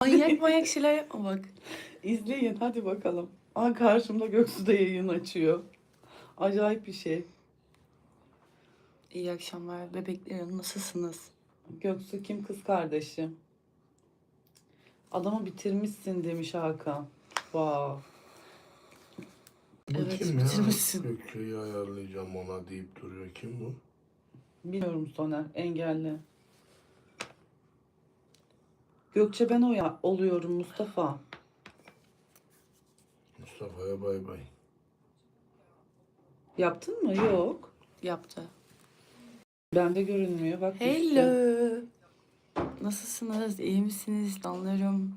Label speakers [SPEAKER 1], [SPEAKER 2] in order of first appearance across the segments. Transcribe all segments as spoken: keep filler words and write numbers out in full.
[SPEAKER 1] Manyak manyak şeyler yapma bak.
[SPEAKER 2] İzleyin hadi bakalım. Aa, karşımda Göksu da yayın açıyor. Acayip bir şey.
[SPEAKER 1] İyi akşamlar bebeklerim, nasılsınız?
[SPEAKER 2] Göksu kim kız kardeşim? Adamı bitirmişsin demiş Hakan. Wow.
[SPEAKER 3] Bu
[SPEAKER 1] Evet,
[SPEAKER 3] kim ya?
[SPEAKER 1] bitirmişsin.
[SPEAKER 3] Gökçe'yi ayarlayacağım ona deyip duruyor. Kim bu?
[SPEAKER 2] Bilmiyorum Soner. Engelli. Gökçe ben o ya oluyorum Mustafa.
[SPEAKER 3] Mustafa'ya bay bay.
[SPEAKER 2] Yaptın mı? Yok.
[SPEAKER 1] Yaptı.
[SPEAKER 2] Bende görünmüyor. Bak düştü.
[SPEAKER 1] Hello. Nasılsınız? İyi misiniz? Anlarım.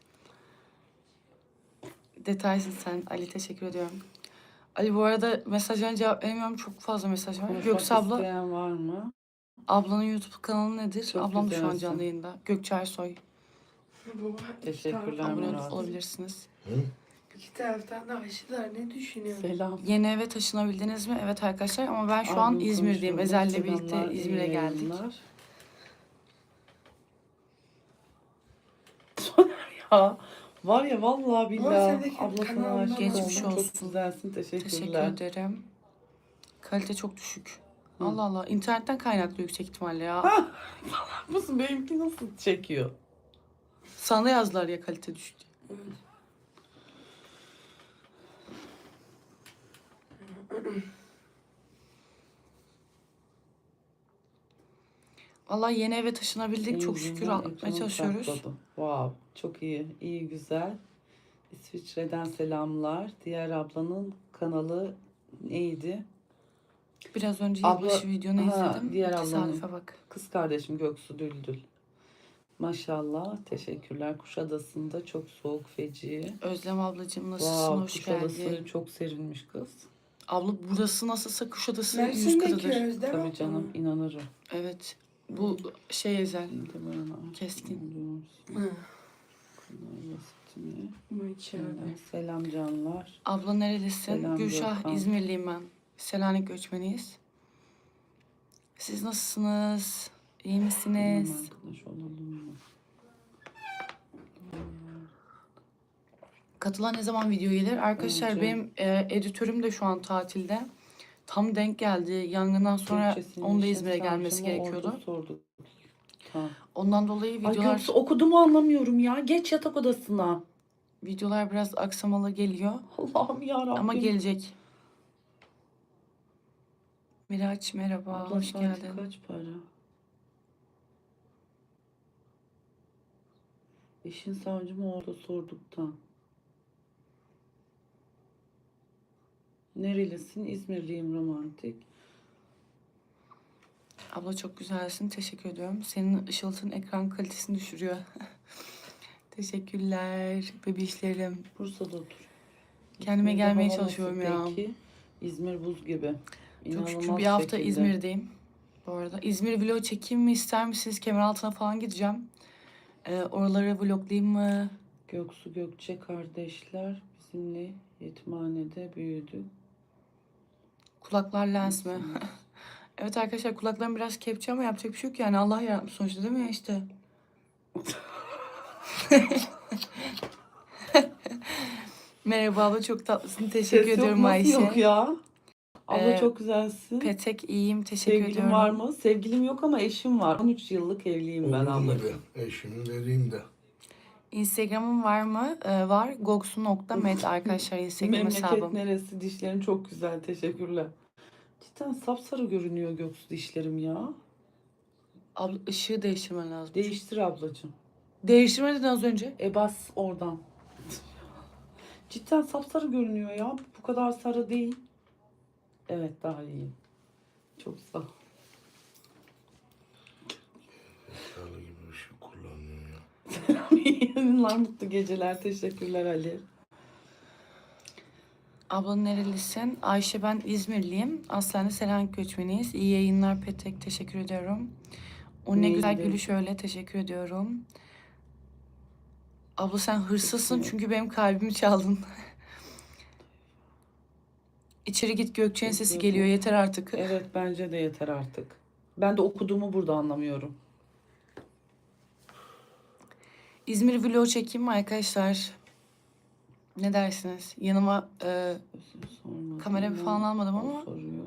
[SPEAKER 1] Detaysın sen. Ali teşekkür ediyorum. Ali bu arada mesajlarına cevap veremiyorum. Çok fazla mesaj var.
[SPEAKER 2] Konuşmak
[SPEAKER 1] Göksu abla,
[SPEAKER 2] isteyen var mı?
[SPEAKER 1] ablanın YouTube kanalı nedir?
[SPEAKER 2] Çok
[SPEAKER 1] Ablam da şu an
[SPEAKER 2] güzelsin.
[SPEAKER 1] canlı yayında. Gökçe Ersoy.
[SPEAKER 2] Teşekkürler
[SPEAKER 1] Abone
[SPEAKER 2] Murat.
[SPEAKER 1] olabilirsiniz.
[SPEAKER 3] Hı?
[SPEAKER 4] İki taraftan da aşılar ne düşünüyorsun?
[SPEAKER 2] Selam.
[SPEAKER 1] Yeni eve taşınabildiniz mi? Evet arkadaşlar ama ben şu an
[SPEAKER 2] Abim
[SPEAKER 1] İzmir'deyim.
[SPEAKER 2] konuşuyor.
[SPEAKER 1] Ezel'le birlikte
[SPEAKER 2] Selamlar, iyi
[SPEAKER 1] İzmir'e geldik.
[SPEAKER 2] yayınlar. Soner ya. Var ya vallahi billahi.
[SPEAKER 4] sendeki
[SPEAKER 2] Ablasına
[SPEAKER 4] kanalına
[SPEAKER 2] aşık
[SPEAKER 1] Geçmiş
[SPEAKER 2] oldum. Çok
[SPEAKER 1] olsun.
[SPEAKER 2] güzelsin. Teşekkürler.
[SPEAKER 1] Teşekkür ederim. Kalite çok düşük.
[SPEAKER 2] Hı.
[SPEAKER 1] Allah Allah. İnternetten kaynaklı yüksek ihtimalle ya.
[SPEAKER 2] Ha! Musun benimki nasıl çekiyor?
[SPEAKER 1] Sana yazdılar ya kalite düşük diye. Vallahi yeni eve taşınabildik. Çok şükür
[SPEAKER 2] Yüzünden
[SPEAKER 1] atlatmaya
[SPEAKER 2] ekranı
[SPEAKER 1] çalışıyoruz.
[SPEAKER 2] sakladım. Wow, çok iyi. İyi, güzel. İsviçre'den selamlar. Diğer ablanın kanalı neydi?
[SPEAKER 1] Biraz önce
[SPEAKER 2] Abla-
[SPEAKER 1] yılbaşı videonu
[SPEAKER 2] Ha,
[SPEAKER 1] izledim.
[SPEAKER 2] diğer ablanın.
[SPEAKER 1] Tesadüfe bak.
[SPEAKER 2] Kız kardeşim Göksu Düldül. Maşallah. Teşekkürler. Kuşadası'nda çok soğuk, feci.
[SPEAKER 1] Özlem ablacığım nasılsın?
[SPEAKER 2] Wow,
[SPEAKER 1] Hoş
[SPEAKER 2] Kuşadası
[SPEAKER 1] geldin.
[SPEAKER 2] çok serinmiş kız.
[SPEAKER 1] Abla burası nasılsa Kuşadası yüz
[SPEAKER 4] Mersin'deki
[SPEAKER 1] katıdır.
[SPEAKER 4] Özlem
[SPEAKER 2] Tabii
[SPEAKER 4] abla
[SPEAKER 2] canım,
[SPEAKER 4] mı?
[SPEAKER 2] inanırım.
[SPEAKER 1] Evet. Bu şey Ezel.
[SPEAKER 2] Şimdi bana
[SPEAKER 1] Keskin.
[SPEAKER 4] Hı.
[SPEAKER 2] basitini.
[SPEAKER 4] Maşallah.
[SPEAKER 2] Selam canlar.
[SPEAKER 1] Abla nerelisin?
[SPEAKER 2] Selam
[SPEAKER 1] Gülşah,
[SPEAKER 2] Gökhan.
[SPEAKER 1] İzmirliyim ben. Selanik göçmeniyiz. Siz nasılsınız? İyi
[SPEAKER 2] Bilmem
[SPEAKER 1] misiniz?
[SPEAKER 2] arkadaş olalım mı?
[SPEAKER 1] Katılan ne zaman video gelir? Arkadaşlar
[SPEAKER 2] Önce.
[SPEAKER 1] benim e, editörüm de şu an tatilde. Tam denk geldi. Yangından sonra
[SPEAKER 2] Gökçe'sinin
[SPEAKER 1] onun da
[SPEAKER 2] işe
[SPEAKER 1] İzmir'e gelmesi
[SPEAKER 2] savcıma
[SPEAKER 1] gerekiyordu.
[SPEAKER 2] ordu sorduk. Tamam.
[SPEAKER 1] Ondan dolayı
[SPEAKER 2] Ay
[SPEAKER 1] videolar
[SPEAKER 2] Göksu okudu mu anlamıyorum ya. Geç yatak odasına.
[SPEAKER 1] videolar biraz aksamalı geliyor.
[SPEAKER 2] Allah'ım yarabbim.
[SPEAKER 1] Ama gelecek. Miraç merhaba,
[SPEAKER 2] Abla
[SPEAKER 1] hoş
[SPEAKER 2] saati
[SPEAKER 1] geldin.
[SPEAKER 2] kaç para? İşin savcıma orada sorduktan. Nerelisin? İzmirliyim, romantik.
[SPEAKER 1] Abla çok güzelsin, teşekkür ediyorum. Senin ışıltın ekran kalitesini düşürüyor. Teşekkürler bebişlerim.
[SPEAKER 2] Bursa'da otur.
[SPEAKER 1] Kendime
[SPEAKER 2] İzmir'de
[SPEAKER 1] gelmeye
[SPEAKER 2] hava
[SPEAKER 1] çalışıyorum
[SPEAKER 2] nasıl
[SPEAKER 1] ya.
[SPEAKER 2] peki? İzmir buz gibi.
[SPEAKER 1] Çok şükür
[SPEAKER 2] İnanılmaz
[SPEAKER 1] bir hafta
[SPEAKER 2] şekilde.
[SPEAKER 1] İzmir'deyim. Bu arada İzmir vlog çekeyim mi ister misiniz? Kemeraltı'na falan gideceğim. Ee, oraları vloglayayım mı?
[SPEAKER 2] Göksu Gökçe kardeşler bizimle yetimhanede büyüdü.
[SPEAKER 1] Kulaklar lens mi? Evet arkadaşlar kulaklarım biraz kepçe ama yapacak bir şey yok yani. Allah yaratmış sonuçta değil mi işte? Merhaba abla çok tatlısın. Teşekkür
[SPEAKER 2] Ses yok,
[SPEAKER 1] ediyorum
[SPEAKER 2] nasıl
[SPEAKER 1] Ayşe.
[SPEAKER 2] yok ya? Abla
[SPEAKER 1] Ee,
[SPEAKER 2] çok güzelsin.
[SPEAKER 1] Petek iyiyim. Teşekkür
[SPEAKER 2] Sevgilin
[SPEAKER 1] ediyorum.
[SPEAKER 2] var mı? Sevgilim yok ama eşim var. on üç yıllık evliyim ben
[SPEAKER 3] Olur mu
[SPEAKER 2] ablacığım.
[SPEAKER 3] be? Eşimi vereyim de.
[SPEAKER 1] Instagram'ım var mı? Ee, var. goksu nokta met arkadaşlar Instagram
[SPEAKER 2] Memleket
[SPEAKER 1] hesabım.
[SPEAKER 2] neresi? Dişlerin çok güzel. Teşekkürler. Cidden sapsarı görünüyor Göksu dişlerim ya.
[SPEAKER 1] Abla ışığı değiştirmen lazım.
[SPEAKER 2] Değiştir ablacığım.
[SPEAKER 1] Değiştirmedin az önce.
[SPEAKER 2] E bas oradan. Cidden sapsarı görünüyor ya. Bu kadar sarı değil. Evet daha iyi. Çok sağ ol.
[SPEAKER 3] Sarı gibi ışık kullanıyor ya.
[SPEAKER 2] İyi yayınlar, mutlu geceler. Teşekkürler Ali.
[SPEAKER 1] Abla nerelisin? Ayşe ben İzmirliyim. Aslen de Selanik göçmeniyiz. İyi yayınlar Petek. Teşekkür ediyorum. O ne güzel
[SPEAKER 2] Neydi?
[SPEAKER 1] gülüş öyle. Teşekkür ediyorum. Abla sen hırsızsın
[SPEAKER 2] Peki.
[SPEAKER 1] çünkü benim kalbimi çaldın. İçeri git Gökçe'nin sesi geliyor yeter artık.
[SPEAKER 2] Evet bence de yeter artık. Ben de okuduğumu burada anlamıyorum.
[SPEAKER 1] İzmir vlog çekeyim mi arkadaşlar? Ne dersiniz? Yanıma e,
[SPEAKER 2] Sormadım
[SPEAKER 1] kamera
[SPEAKER 2] ama
[SPEAKER 1] falan almadım
[SPEAKER 2] o
[SPEAKER 1] ama
[SPEAKER 2] soruyor.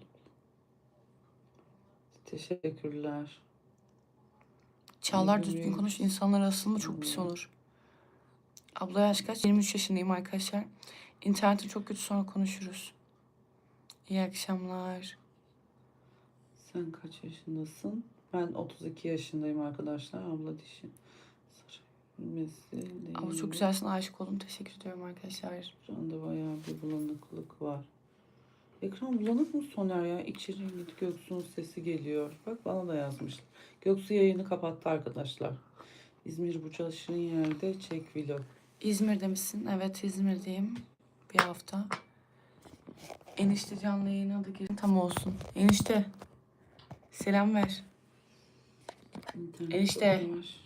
[SPEAKER 2] Teşekkürler.
[SPEAKER 1] Çağlar
[SPEAKER 2] İyi
[SPEAKER 1] düzgün
[SPEAKER 2] bugün.
[SPEAKER 1] konuş, insanlar asılma çok pis
[SPEAKER 2] Hmm.
[SPEAKER 1] olur. Abla yaş kaç? yirmi üç yaşındayım arkadaşlar. İnternetim çok kötü, sonra konuşuruz. İyi akşamlar.
[SPEAKER 2] Sen kaç yaşındasın? Ben otuz iki yaşındayım arkadaşlar. Abla dişi. Sarı bilmesi değil.
[SPEAKER 1] Abla çok güzelsin, aşık oldum. Teşekkür ediyorum arkadaşlar.
[SPEAKER 2] Ekranda bayağı bir bulanıklık var. Ekran bulanık mı Soner ya? İçeri git, Göksu'nun sesi geliyor. Bak bana da yazmış. Göksu yayını kapattı arkadaşlar. İzmir bu çalıştığın yerde çek vlog.
[SPEAKER 1] İzmir'de misin? Evet, İzmir'deyim. Bir hafta. Enişte canlı yayına da girin. Tam olsun. Enişte. Selam ver.
[SPEAKER 2] İnternet
[SPEAKER 1] Enişte.
[SPEAKER 2] çok yavaş.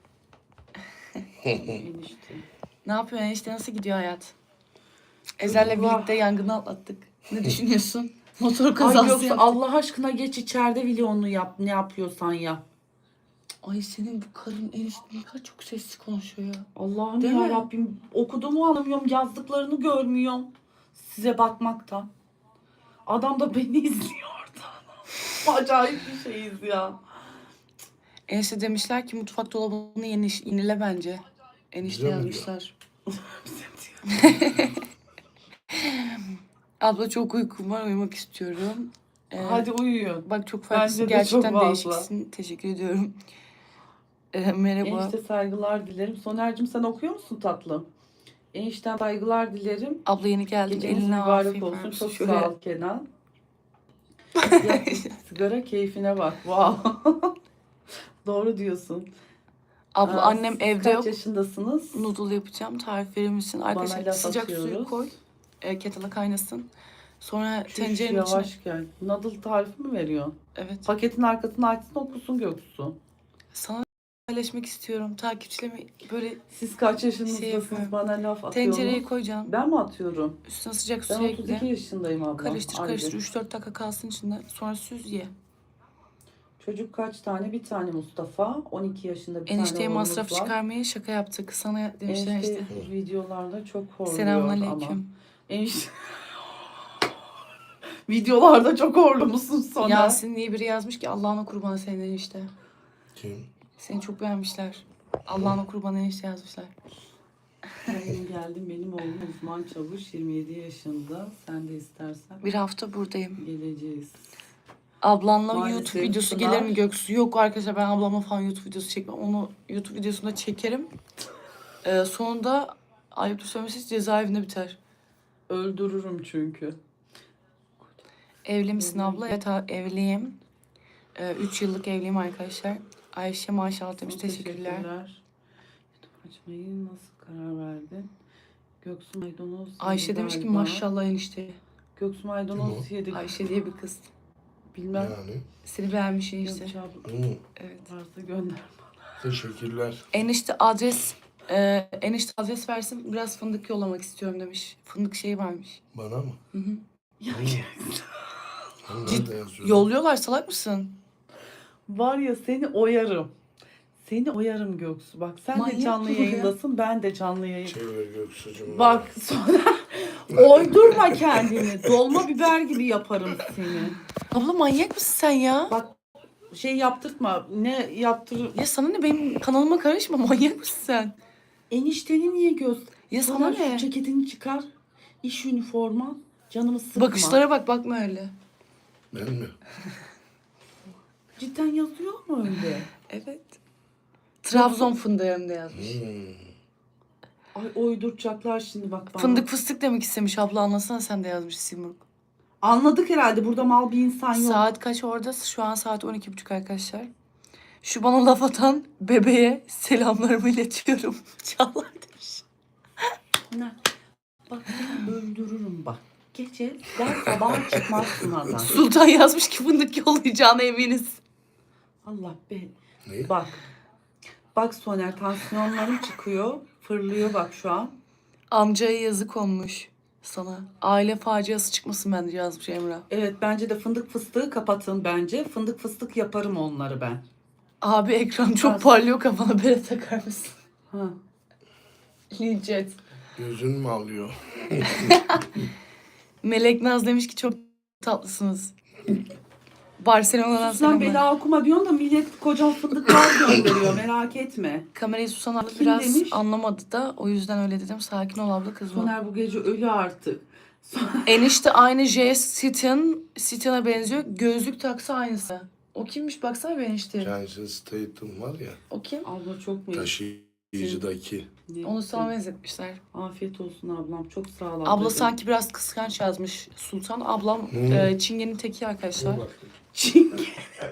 [SPEAKER 2] Enişte.
[SPEAKER 1] Ne yapıyorsun enişte? Nasıl gidiyor hayat? Ezel'le
[SPEAKER 2] Allah.
[SPEAKER 1] birlikte yangını atlattık. Ne düşünüyorsun? Motor
[SPEAKER 2] Ay
[SPEAKER 1] kazası
[SPEAKER 2] Göksu
[SPEAKER 1] yaptık.
[SPEAKER 2] Allah aşkına geç içeride vlogunu yap. Ne yapıyorsan yap.
[SPEAKER 1] Ay senin bu karın enişte ne kadar çok sessiz konuşuyor ya.
[SPEAKER 2] Allah'ım
[SPEAKER 1] Değil
[SPEAKER 2] ya
[SPEAKER 1] mi?
[SPEAKER 2] Rabbim, okuduğumu anlamıyorum, yazdıklarını görmüyorum. Size bakmaktan. Adam da beni izliyor orada. Acayip bir şeyiz ya.
[SPEAKER 1] Enişte demişler ki mutfak dolabını yeni yenile bence. Enişte
[SPEAKER 3] Bize mi
[SPEAKER 1] yazmışlar. Abla çok uykum var, uyumak istiyorum. Ee,
[SPEAKER 2] Hadi uyuyun.
[SPEAKER 1] Bak çok
[SPEAKER 2] Bence
[SPEAKER 1] farklısın,
[SPEAKER 2] de
[SPEAKER 1] gerçekten
[SPEAKER 2] çok fazla.
[SPEAKER 1] değişiksin. Teşekkür ediyorum. Ee, merhaba.
[SPEAKER 2] Enişte saygılar dilerim. Soner'cim sen okuyor musun tatlım? Enişten saygılar dilerim.
[SPEAKER 1] Abla yeni geldin,
[SPEAKER 2] Geceniz
[SPEAKER 1] eline
[SPEAKER 2] mübarek
[SPEAKER 1] afiyet
[SPEAKER 2] olsun.
[SPEAKER 1] olsun.
[SPEAKER 2] Çok
[SPEAKER 1] Şöyle.
[SPEAKER 2] sağ ol Kenan. Yap sigara keyfine bak. Wow. Doğru diyorsun.
[SPEAKER 1] Abla
[SPEAKER 2] Aa,
[SPEAKER 1] annem
[SPEAKER 2] siz
[SPEAKER 1] evde
[SPEAKER 2] kaç
[SPEAKER 1] yok.
[SPEAKER 2] yaşındasınız?
[SPEAKER 1] Noodle yapacağım. Tarif verir misin? Arkadaşlar
[SPEAKER 2] laf
[SPEAKER 1] sıcak suyu
[SPEAKER 2] atıyoruz.
[SPEAKER 1] koy. E, kettle'a kaynasın. Sonra
[SPEAKER 2] Şuş,
[SPEAKER 1] tencerenin içine...
[SPEAKER 2] yavaş gel. Noodle tarifi mi veriyorsun?
[SPEAKER 1] Evet.
[SPEAKER 2] Paketin arkasını açsın okusun Göksu.
[SPEAKER 1] Sana paylaşmak istiyorum. Takipçilerime böyle
[SPEAKER 2] Siz kaç yaşınızdasınız
[SPEAKER 1] Şey yapıyorum.
[SPEAKER 2] bana laf atıyorsunuz?
[SPEAKER 1] tencereye koy canım.
[SPEAKER 2] Ben mi atıyorum?
[SPEAKER 1] Üstüne sıcak
[SPEAKER 2] Ben
[SPEAKER 1] su
[SPEAKER 2] otuz iki
[SPEAKER 1] ekle.
[SPEAKER 2] yaşındayım abla.
[SPEAKER 1] Karıştır
[SPEAKER 2] Haydi.
[SPEAKER 1] karıştır. üç dört dakika kalsın içinde. Sonra süz ye.
[SPEAKER 2] Çocuk kaç tane? Bir tane Mustafa. on iki yaşında bir
[SPEAKER 1] Enişteye
[SPEAKER 2] tane oğlumuz
[SPEAKER 1] masraf
[SPEAKER 2] var.
[SPEAKER 1] çıkarmaya şaka yaptık. Sana demişler
[SPEAKER 2] Enişte
[SPEAKER 1] işte.
[SPEAKER 2] videolarda çok horluyor ama.
[SPEAKER 1] Selamünaleyküm.
[SPEAKER 2] Enişte... videolarda çok horlu musun sonra?
[SPEAKER 1] Yasin diye biri yazmış ki Allah'ına kurban senin enişte.
[SPEAKER 3] Kim?
[SPEAKER 1] Seni çok beğenmişler. Allah'ına kurban enişte yazmışlar.
[SPEAKER 2] Benim geldim. Benim oğlum uzman çavuş. yirmi yedi yaşında. Sen de istersen
[SPEAKER 1] Bir hafta buradayım.
[SPEAKER 2] geleceğiz.
[SPEAKER 1] Ablanla
[SPEAKER 2] Maalesef
[SPEAKER 1] YouTube videosu
[SPEAKER 2] Pınar-
[SPEAKER 1] gelir mi Göksu? Yok arkadaşlar, ben ablamla falan YouTube videosu çekmem. Onu YouTube videosunda çekerim. Ee, sonunda ayıptır söylemesi cezaevinde biter.
[SPEAKER 2] Öldürürüm çünkü.
[SPEAKER 1] Evli misin abla? Evet ha- evliyim. Ee, üç yıllık evliyim arkadaşlar. Ayşe maşallah demiş.
[SPEAKER 2] Çok
[SPEAKER 1] Teşekkürler.
[SPEAKER 2] YouTube açmayı nasıl karar verdin? Göksu Maydanoz
[SPEAKER 1] Ayşe
[SPEAKER 2] yedi
[SPEAKER 1] demiş ki
[SPEAKER 2] galiba.
[SPEAKER 1] maşallah enişte.
[SPEAKER 2] Göksu Maydanoz
[SPEAKER 3] Kim
[SPEAKER 2] yedi.
[SPEAKER 1] Ayşe diye bir kız.
[SPEAKER 2] Bilmem.
[SPEAKER 3] Yani.
[SPEAKER 1] Seni beğenmiş enişte.
[SPEAKER 2] Gökçe abla
[SPEAKER 3] Hı.
[SPEAKER 1] Evet.
[SPEAKER 2] varsa gönder.
[SPEAKER 3] Teşekkürler.
[SPEAKER 1] Enişte adres e, enişte adres versin, biraz fındık yollamak istiyorum demiş. Fındık şeyi varmış.
[SPEAKER 3] Bana mı?
[SPEAKER 1] Hı hı.
[SPEAKER 2] Ya,
[SPEAKER 3] Hani nerede yazıyor?
[SPEAKER 1] Yolluyorlar, salak mısın?
[SPEAKER 2] var ya seni oyarım. Seni oyarım Göksu. Bak sen
[SPEAKER 1] Manyak
[SPEAKER 2] de canlı
[SPEAKER 1] mı bu ya?
[SPEAKER 2] yayındasın. Ben de canlı yayın.
[SPEAKER 3] Çevir Göksu'cum.
[SPEAKER 2] Bak sonra oydurma kendini. Dolma biber gibi yaparım seni.
[SPEAKER 1] Abla manyak mısın sen ya?
[SPEAKER 2] Bak şey yaptırtma. Ne yaptır?
[SPEAKER 1] Ya sana ne, benim kanalıma karışma, manyak mısın sen?
[SPEAKER 2] Enişteni niye göz?
[SPEAKER 1] Ya sana
[SPEAKER 2] Sana
[SPEAKER 1] ne?
[SPEAKER 2] şu ceketini çıkar. İş üniforma. Canımı sıkma.
[SPEAKER 1] Bakışlara bak, bakma öyle.
[SPEAKER 3] Ben mi?
[SPEAKER 2] Cidden yazıyor mu öyle?
[SPEAKER 1] Evet. Trabzon fındığı hem de yazmış.
[SPEAKER 3] Hmm.
[SPEAKER 2] Ay uyduracaklar şimdi bak bana.
[SPEAKER 1] Fındık fıstık demek istemiş abla, anlasana sen de yazmış Simurg.
[SPEAKER 2] Anladık herhalde, burada mal bir insan yok.
[SPEAKER 1] Saat kaç orada? Şu an saat on iki buçuk arkadaşlar. Şu bana laf atan bebeğe selamlarımı iletiyorum. Çağlar demiş.
[SPEAKER 2] Ne? Bak seni öldürürüm bak. Gece der sabah çıkmazsın adam.
[SPEAKER 1] Sultan yazmış ki fındık yollayacağına eminiz.
[SPEAKER 2] Allah be.
[SPEAKER 3] Ne?
[SPEAKER 2] Bak. Bak Soner, tansiyonlarım çıkıyor. Fırlıyor bak şu an.
[SPEAKER 1] Amcaya yazık olmuş sana. Aile faciası çıkmasın bence yazmış Emrah.
[SPEAKER 2] Evet bence de fındık fıstığı kapatın bence. Fındık fıstık yaparım onları ben.
[SPEAKER 1] Abi ekran çok
[SPEAKER 2] Az.
[SPEAKER 1] parlıyor, kafana bere takar mısın?
[SPEAKER 2] Ha.
[SPEAKER 1] Lincet.
[SPEAKER 3] Gözün mü alıyor?
[SPEAKER 1] Melek Naz demiş ki çok tatlısınız. Barcelona'dan
[SPEAKER 2] Sus lan
[SPEAKER 1] selamlar.
[SPEAKER 2] bela okuma diyorsun da millet kocaman fındıklar gönderiyor merak etme.
[SPEAKER 1] Kamerayı Susan abla
[SPEAKER 2] Kim
[SPEAKER 1] biraz
[SPEAKER 2] demiş?
[SPEAKER 1] anlamadı da o yüzden öyle dedim. Sakin ol abla kızma.
[SPEAKER 2] Soner bu gece ölü artık.
[SPEAKER 1] Enişte aynı J. Sitian, Sitian'a benziyor. Gözlük taksa aynısı. O kimmiş baksana bir enişte.
[SPEAKER 3] Jason Statham var ya.
[SPEAKER 1] O kim?
[SPEAKER 2] Abla çok mu?
[SPEAKER 3] Taşıyıcıdaki.
[SPEAKER 2] Ne-
[SPEAKER 1] Onu sana benzetmişler.
[SPEAKER 2] Afiyet olsun ablam. Çok sağ ol
[SPEAKER 1] Abla
[SPEAKER 2] ablacığım.
[SPEAKER 1] sanki biraz kıskanç yazmış Sultan. Ablam
[SPEAKER 3] Hmm.
[SPEAKER 1] e, Çingene'nin teki arkadaşlar.
[SPEAKER 2] Çingen.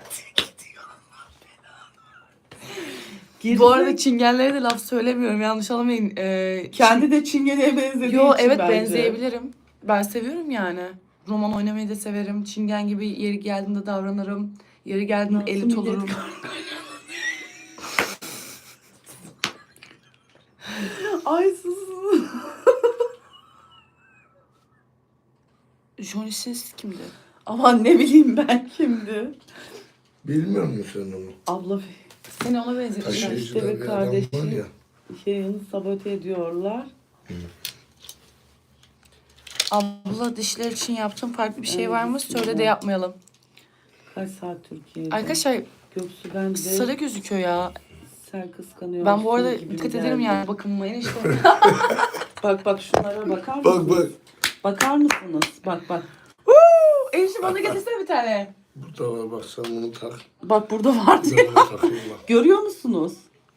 [SPEAKER 1] Bu arada Çingenlere de laf söylemiyorum. Yanlış anlamayın. E,
[SPEAKER 2] kendi de çingeneye benzediği
[SPEAKER 1] Yo
[SPEAKER 2] için
[SPEAKER 1] evet
[SPEAKER 2] bence.
[SPEAKER 1] benzeyebilirim. Ben seviyorum yani. Roman oynamayı da severim. Çingen gibi yeri geldiğinde davranırım. Yeri geldiğinde
[SPEAKER 2] Nasıl
[SPEAKER 1] elit
[SPEAKER 2] millet-
[SPEAKER 1] olurum.
[SPEAKER 2] Ay sus.
[SPEAKER 1] Johnny Sins kimdi?
[SPEAKER 2] Aman ne bileyim ben kimdi.
[SPEAKER 3] Bilmiyor musun sen onu?
[SPEAKER 2] Abla
[SPEAKER 1] Seni ona benzetmişler.
[SPEAKER 3] Taşıyıcıda
[SPEAKER 2] işte
[SPEAKER 3] bir
[SPEAKER 2] ve
[SPEAKER 3] adam var
[SPEAKER 2] kardeşi.
[SPEAKER 3] ya.
[SPEAKER 2] yayını sabote ediyorlar.
[SPEAKER 1] Abla dişler için yaptığım farklı bir şey
[SPEAKER 2] Evet,
[SPEAKER 1] var mı?
[SPEAKER 2] bismillah.
[SPEAKER 1] Söyle de yapmayalım.
[SPEAKER 2] Kaç saat Türkiye'de?
[SPEAKER 1] Arkadaşlar
[SPEAKER 2] Göksu ben de
[SPEAKER 1] sarı gözüküyor ya.
[SPEAKER 2] sen kıskanıyorsun
[SPEAKER 1] Ben bu arada
[SPEAKER 2] gibi
[SPEAKER 1] dikkat
[SPEAKER 2] geldi.
[SPEAKER 1] ederim yani bakınma enişte.
[SPEAKER 2] Bak bak şunlara bakar mısınız?
[SPEAKER 3] Bak bak.
[SPEAKER 2] Bakar mısınız? Bak bak.
[SPEAKER 1] enişte bana getirsene bir tane.
[SPEAKER 3] Burada var bak sen bunu tak.
[SPEAKER 2] Bak burada var
[SPEAKER 3] Bir de
[SPEAKER 2] diyor.
[SPEAKER 3] bunu takayım bak.
[SPEAKER 2] Görüyor musunuz?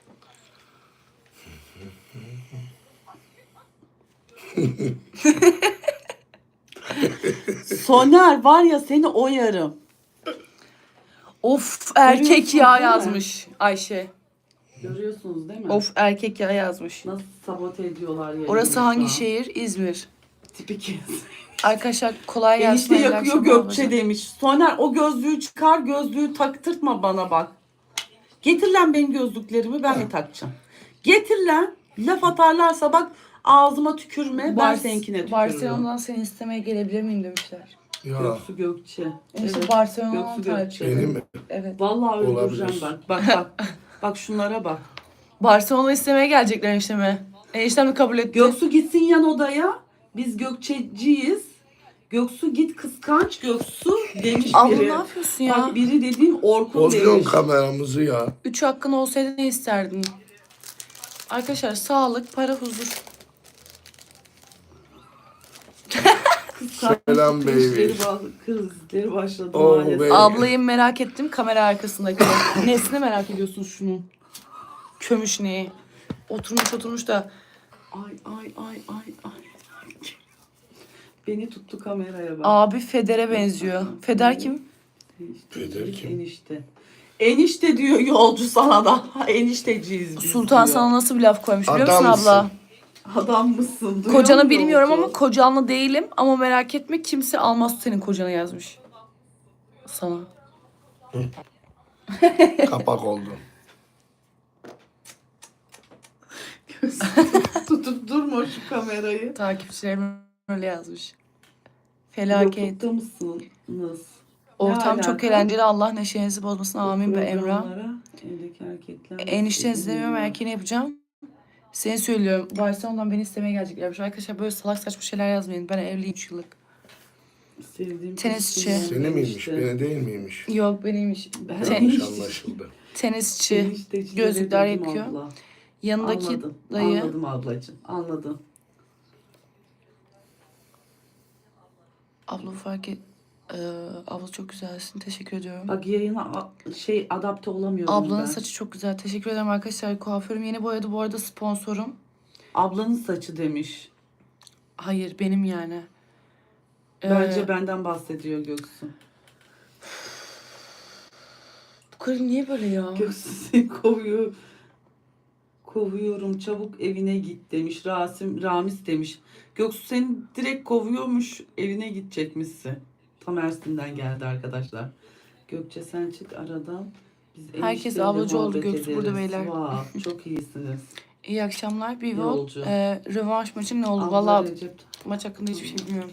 [SPEAKER 2] Soner var ya seni oyarım.
[SPEAKER 1] Of erkek
[SPEAKER 2] Görüyorsun
[SPEAKER 1] ya
[SPEAKER 2] değil mi?
[SPEAKER 1] yazmış Ayşe.
[SPEAKER 2] Görüyorsunuz değil mi?
[SPEAKER 1] Of erkek ya yazmış.
[SPEAKER 2] Nasıl sabote ediyorlar yayını
[SPEAKER 1] Orası
[SPEAKER 2] şu
[SPEAKER 1] hangi
[SPEAKER 2] an.
[SPEAKER 1] şehir? İzmir.
[SPEAKER 2] Tipik kez.
[SPEAKER 1] Arkadaşlar kolay gelsin.
[SPEAKER 2] Enişte
[SPEAKER 1] hayırlı
[SPEAKER 2] yakıyor
[SPEAKER 1] akşamlar
[SPEAKER 2] Gökçe
[SPEAKER 1] ablacığım.
[SPEAKER 2] demiş. Soner o gözlüğü çıkar gözlüğü taktırtma bana bak. Getir lan benim gözlüklerimi ben de takacağım. Getir lan. Laf atarlarsa bak ağzıma tükürme ben
[SPEAKER 1] Bar-
[SPEAKER 2] seninkine tükürürüm.
[SPEAKER 1] Barcelona'dan seni istemeye gelebilir miyim demişler.
[SPEAKER 3] Ya
[SPEAKER 2] Göksu Gökçe.
[SPEAKER 1] Enişte
[SPEAKER 2] Evet.
[SPEAKER 1] Barcelona'dan
[SPEAKER 2] Göksu
[SPEAKER 1] takip
[SPEAKER 2] Gökçe.
[SPEAKER 1] ediyorum.
[SPEAKER 3] benim mi?
[SPEAKER 1] Evet.
[SPEAKER 2] Vallahi öldüreceğim
[SPEAKER 3] Olabilir.
[SPEAKER 2] bak. Bak bak. Bak şunlara bak.
[SPEAKER 1] Barcelona istemeye gelecekler enişteme. Eniştem de kabul etti.
[SPEAKER 2] Göksu gitsin yan odaya. Biz Gökçeciyiz. Göksu git kıskanç Göksu demiş
[SPEAKER 1] Abla
[SPEAKER 2] biri.
[SPEAKER 1] ne yapıyorsun ya?
[SPEAKER 2] Bak biri dediğim Orkun
[SPEAKER 3] Bozuyorsun
[SPEAKER 2] demiş.
[SPEAKER 3] kameramızı ya.
[SPEAKER 1] Üç hakkın olsaydı ne isterdin? Arkadaşlar sağlık, para, huzur.
[SPEAKER 3] Selam baby.
[SPEAKER 2] Krizleri, ba- krizleri başladı
[SPEAKER 3] Oh,
[SPEAKER 2] maalesef.
[SPEAKER 3] baby.
[SPEAKER 1] Ablayı merak ettim kamera arkasındaki. Nesini merak ediyorsun şunun? Kömüş neyi? Oturmuş oturmuş da.
[SPEAKER 2] Ay ay ay ay ay. Beni tuttu kameraya bak.
[SPEAKER 1] Abi Feder'e benziyor. Feder kim?
[SPEAKER 2] Enişte,
[SPEAKER 3] Feder kim?
[SPEAKER 2] Enişte. Enişte diyor yolcu sana da. Enişteciyiz biz
[SPEAKER 1] Sultan
[SPEAKER 2] diyor.
[SPEAKER 1] sana nasıl bir laf koymuş biliyor musun
[SPEAKER 3] Adamsın.
[SPEAKER 1] abla?
[SPEAKER 2] Adam mısın? Duyuyor
[SPEAKER 1] Kocanı
[SPEAKER 2] musun
[SPEAKER 1] bilmiyorum
[SPEAKER 2] yolcu?
[SPEAKER 1] ama kocanlı değilim. Ama merak etme kimse almaz senin kocanı yazmış. Sana.
[SPEAKER 3] Kapak oldu.
[SPEAKER 2] Tutup durma şu kamerayı.
[SPEAKER 1] Takipçilerim öyle yazmış. Felaket.
[SPEAKER 2] Yoklukta mısınız?
[SPEAKER 1] Ortam
[SPEAKER 2] Ne
[SPEAKER 1] çok
[SPEAKER 2] alaka?
[SPEAKER 1] eğlenceli. Allah neşenizi bozmasın. Amin be Emrah.
[SPEAKER 2] Programlara Evdeki erkekler.
[SPEAKER 1] Enişten izlemiyorum.
[SPEAKER 2] izleniyor.
[SPEAKER 1] Erkeğini yapacağım. Seni söylüyorum. Barcelona'dan beni istemeye geleceklermiş. Arkadaşlar böyle salak saçma şeyler yazmayın. Ben evliyim üç yıllık.
[SPEAKER 2] Sevdiğim
[SPEAKER 1] Tenisçi.
[SPEAKER 2] kişi
[SPEAKER 3] Seni miymiş,
[SPEAKER 2] enişte.
[SPEAKER 3] beni değil miymiş?
[SPEAKER 1] Yok benimmiş.
[SPEAKER 2] Ben
[SPEAKER 1] Ten-
[SPEAKER 3] Yanlış
[SPEAKER 2] enişte-
[SPEAKER 3] anlaşıldı.
[SPEAKER 1] tenisçi.
[SPEAKER 2] eniştecileri
[SPEAKER 1] Gözlükler
[SPEAKER 2] dedim
[SPEAKER 1] yakıyor.
[SPEAKER 2] abla.
[SPEAKER 1] Yanındaki
[SPEAKER 2] Anladım.
[SPEAKER 1] dayı.
[SPEAKER 2] Anladım ablacığım. Anladım.
[SPEAKER 1] Abla fark et. Ee, abla çok güzelsin. Teşekkür ediyorum.
[SPEAKER 2] Bak yayına a- şey adapte olamıyorum
[SPEAKER 1] Ablanın
[SPEAKER 2] ben.
[SPEAKER 1] saçı çok güzel. Teşekkür ederim arkadaşlar. Kuaförüm yeni boyadı. Bu arada sponsorum.
[SPEAKER 2] Ablanın saçı demiş.
[SPEAKER 1] Hayır benim yani. Ee,
[SPEAKER 2] Bence benden bahsediyor Göksu.
[SPEAKER 1] Bu karı niye böyle ya?
[SPEAKER 2] Göksu seni kovuyor. Kovuyorum çabuk evine git demiş. Rasim Ramiz demiş. Göksu seni direkt kovuyormuş. Evine gidecekmişsin. Tam Ersin'den geldi arkadaşlar. Gökçe sen çık aradan. Biz
[SPEAKER 1] Herkes
[SPEAKER 2] enişteyle
[SPEAKER 1] ablacı oldu,
[SPEAKER 2] muhabbet
[SPEAKER 1] Göksu burada
[SPEAKER 2] ederiz.
[SPEAKER 1] beyler.
[SPEAKER 2] Wow, çok iyisiniz.
[SPEAKER 1] İyi akşamlar. Bir vol.
[SPEAKER 2] Yolcu.
[SPEAKER 1] Ee, rövanş maçı ne oldu?
[SPEAKER 2] Abla
[SPEAKER 1] Vallahi
[SPEAKER 2] Recep,
[SPEAKER 1] maç hakkında hiçbir şey bilmiyorum.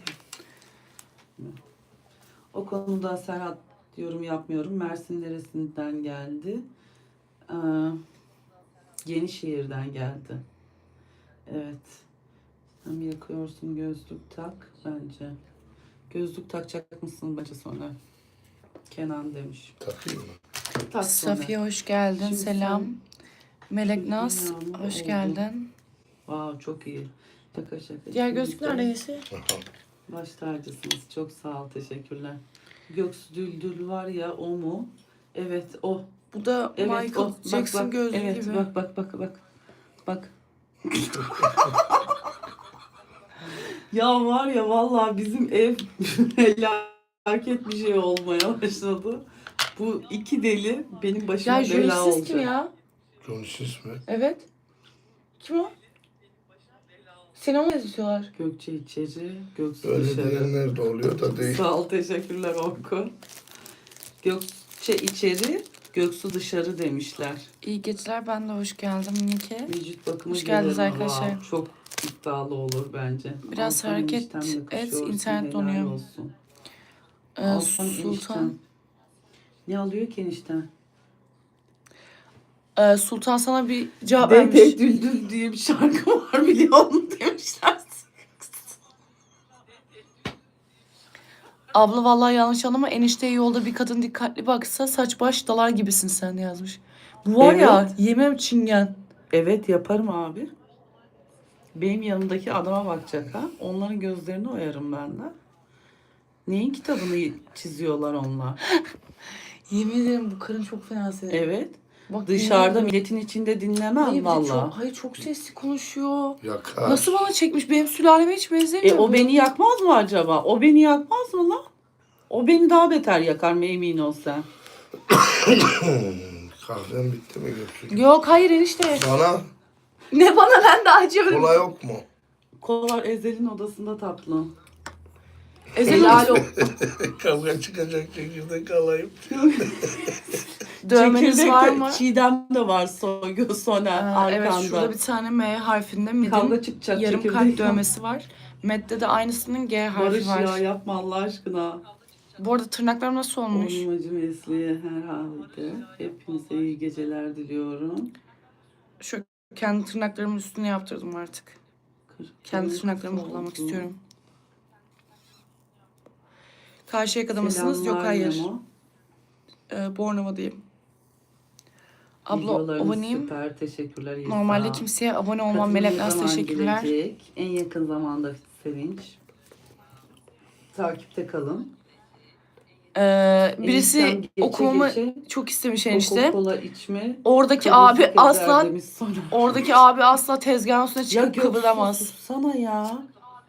[SPEAKER 2] o konuda Serhat yorum yapmıyorum. Mersin neresinden geldi? Ee, Yenişehir'den geldi. Evet. Hem yakıyorsun, gözlük tak bence. Gözlük takacak mısın bence sonra? Kenan demiş.
[SPEAKER 3] Takayım mı?
[SPEAKER 2] Tak sonra.
[SPEAKER 1] Safiye hoş geldin.
[SPEAKER 2] Şimdi
[SPEAKER 1] Selam.
[SPEAKER 2] sen-
[SPEAKER 1] Melek
[SPEAKER 2] Şimdi
[SPEAKER 1] Naz
[SPEAKER 2] dünyanın
[SPEAKER 1] hoş
[SPEAKER 2] oldu.
[SPEAKER 1] geldin.
[SPEAKER 2] Wow, çok iyi. Şaka şaka.
[SPEAKER 1] Diğer
[SPEAKER 2] İkiniz
[SPEAKER 1] gözlük
[SPEAKER 2] de
[SPEAKER 1] nerede Yesi?
[SPEAKER 3] Aha.
[SPEAKER 2] Baş tacısınız. Çok sağ ol. Teşekkürler. Göksu Düldül var ya, o mu? Evet o.
[SPEAKER 1] Bu da
[SPEAKER 2] Evet
[SPEAKER 1] Michael
[SPEAKER 2] o. Bak,
[SPEAKER 1] Jackson
[SPEAKER 2] bak.
[SPEAKER 1] gözlüğü
[SPEAKER 2] Evet
[SPEAKER 1] gibi.
[SPEAKER 2] bak bak bak bak. Bak. Ya var ya vallahi bizim ev felaket bir şey olmaya başladı. Bu iki deli benim başıma
[SPEAKER 1] Ya
[SPEAKER 2] bela
[SPEAKER 1] Julius
[SPEAKER 2] olacak.
[SPEAKER 1] kim ya?
[SPEAKER 3] John Sis mi?
[SPEAKER 1] Evet. Kim o? Seni ona yazıyorlar.
[SPEAKER 2] Gökçe içeri, Göksu
[SPEAKER 3] Öyle
[SPEAKER 2] dışarı.
[SPEAKER 3] diyenler de oluyor da değil.
[SPEAKER 2] Sağ ol, teşekkürler Orkun. Gökçe içeri, Göksu dışarı demişler.
[SPEAKER 1] İyi geceler, ben de hoş geldim Nike.
[SPEAKER 2] Vücut bakımı
[SPEAKER 1] Hoş geldiniz
[SPEAKER 2] gelirim.
[SPEAKER 1] arkadaşlar.
[SPEAKER 2] Wow, çok iddialı olur bence.
[SPEAKER 1] Biraz
[SPEAKER 2] Altan
[SPEAKER 1] hareket
[SPEAKER 2] eniştem
[SPEAKER 1] et,
[SPEAKER 2] yakışıyorsun,
[SPEAKER 1] internet
[SPEAKER 2] helal
[SPEAKER 1] donuyor.
[SPEAKER 2] olsun.
[SPEAKER 1] Ee,
[SPEAKER 2] Altan
[SPEAKER 1] Sultan.
[SPEAKER 2] eniştem. Ne alıyor ki enişten?
[SPEAKER 1] Ee, Sultan sana bir cevap
[SPEAKER 2] Dede
[SPEAKER 1] vermiş.
[SPEAKER 2] Düldül diye bir şarkı var biliyor musun demişler.
[SPEAKER 1] Abla vallahi yanlış anlama, enişteye yolda bir kadın dikkatli baksa saç baş dalar gibisin sen yazmış. Bu var ya,
[SPEAKER 2] Evet.
[SPEAKER 1] yemem çingen.
[SPEAKER 2] Evet yaparım abi. Benim yanımdaki adama bakacak ha. Onların gözlerini oyarım ben de. Neyin kitabını çiziyorlar onlar?
[SPEAKER 1] Yemin ederim bu karın çok fena senin.
[SPEAKER 2] Evet.
[SPEAKER 1] Bak,
[SPEAKER 2] Dışarıda
[SPEAKER 1] yemin ederim.
[SPEAKER 2] milletin içinde
[SPEAKER 1] Hayır,
[SPEAKER 2] dinlemem
[SPEAKER 1] bir de
[SPEAKER 2] valla.
[SPEAKER 1] çok, hayır çok sesli konuşuyor.
[SPEAKER 3] Yakar.
[SPEAKER 1] Nasıl bana çekmiş? Benim sülaleme hiç benzemiyor.
[SPEAKER 2] E o
[SPEAKER 1] bu.
[SPEAKER 2] beni yakmaz mı acaba? O beni yakmaz mı lan? O beni daha beter yakar mı, emin ol sen.
[SPEAKER 3] Kahven bitti mi Göksu?
[SPEAKER 1] Yok hayır enişte.
[SPEAKER 3] Bana
[SPEAKER 1] Ne bana, ben de acıyorum.
[SPEAKER 3] kola yok mu?
[SPEAKER 2] Kolar Ezel'in odasında tatlım.
[SPEAKER 1] Ezel
[SPEAKER 2] Helal
[SPEAKER 1] olsun.
[SPEAKER 2] o.
[SPEAKER 3] Kavga çıkacak çekirdek alayım.
[SPEAKER 1] Dövmeniz
[SPEAKER 2] Çekirdek
[SPEAKER 1] var
[SPEAKER 2] de,
[SPEAKER 1] mı?
[SPEAKER 2] Çiğdem de var Soygül Soner
[SPEAKER 1] Ee,
[SPEAKER 2] arkanda.
[SPEAKER 1] evet, şurada bir tane M harfinde midin
[SPEAKER 2] Kavga çıkacak
[SPEAKER 1] yarım
[SPEAKER 2] çekirdek.
[SPEAKER 1] kalp dövmesi var. Med'de de aynısının G harfi
[SPEAKER 2] Barış
[SPEAKER 1] var.
[SPEAKER 2] ya yapma Allah aşkına.
[SPEAKER 1] Bu arada tırnaklarım nasıl olmuş?
[SPEAKER 2] Olmacı mesleği herhalde. Hepinize iyi geceler diliyorum.
[SPEAKER 1] Şu kendi tırnaklarımın üstüne yaptırdım artık. Kendi tırnaklarımı
[SPEAKER 2] Oldu.
[SPEAKER 1] kullanmak istiyorum. Karşıyaka'da mısınız? Yok
[SPEAKER 2] Selamlar
[SPEAKER 1] hayır.
[SPEAKER 2] Memo.
[SPEAKER 1] Ee, Bornova'dayım. Abla
[SPEAKER 2] Videolarınız
[SPEAKER 1] aboneyim.
[SPEAKER 2] Süper, teşekkürler. İsa.
[SPEAKER 1] Normalde kimseye abone olmam.
[SPEAKER 2] Katılım
[SPEAKER 1] Melek
[SPEAKER 2] ne
[SPEAKER 1] Naz
[SPEAKER 2] zaman
[SPEAKER 1] teşekkürler.
[SPEAKER 2] gelecek? En yakın zamanda Sevinç. Takipte kalın.
[SPEAKER 1] Ee, birisi
[SPEAKER 2] Eniştem geçe
[SPEAKER 1] okumamı
[SPEAKER 2] geçe
[SPEAKER 1] çok istemiş enişte.
[SPEAKER 2] Coca-Cola içme.
[SPEAKER 1] Oradaki
[SPEAKER 2] kabul
[SPEAKER 1] abi
[SPEAKER 2] eder
[SPEAKER 1] asla
[SPEAKER 2] demiş sonra.
[SPEAKER 1] oradaki abi asla tezgahın üstüne
[SPEAKER 2] Ya
[SPEAKER 1] çıkıp
[SPEAKER 2] Göksu
[SPEAKER 1] kıpırdamaz.
[SPEAKER 2] sussana ya.